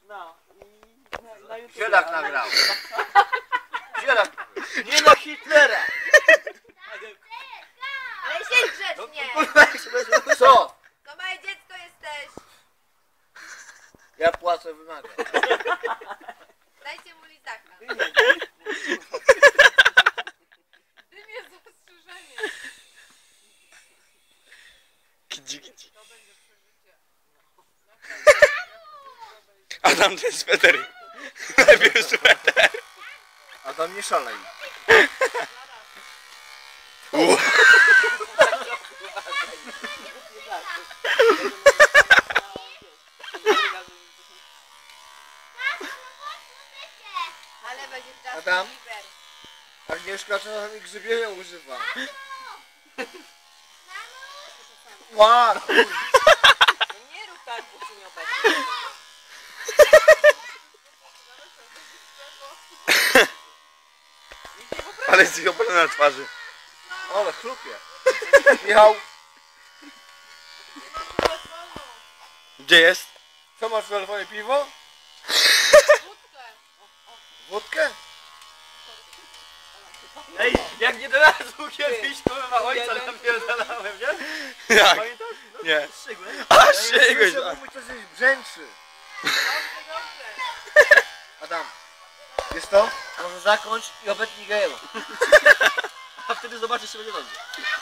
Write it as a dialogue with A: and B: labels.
A: No i na YouTube.
B: Zielak nagrał.
A: Zielak. Nie na Hitlera.
C: Ale siedź grzecznie!
B: Co?
C: To małe dziecko jesteś!
B: Ja płacę, wymagam.
C: Dajcie mu lizaka. Dym jest zastrzeżenie.
D: Kidzi. Adam, ten sweter. Lepiej sweter.
B: Adam, nie szalej.
C: Ale będzie czas
B: Adam?
C: liber.
B: Agnieszka czasami grzybienia używa. Ła!
A: No nie rób tak, bo się nie obecnie.
D: Ale jest ich na twarzy.
B: Ale chlupie. Michał,
D: Gdzie jest?
B: co masz w telefonie? Piwo? Wódkę?
A: Ej, jak nie do razu kiedyś kurwa ojca napierdalałem, nie?
D: Jak?
A: Pamiętasz?
D: Nie.
A: Strzygłem.
D: A,
B: Ja
D: strzygłeś.
B: słyszę, mówi, to coś brzęczy. Adam, wiesz to? Może zakończ i obetnij gejewo.
A: A wtedy zobaczysz, czy będzie dobrze.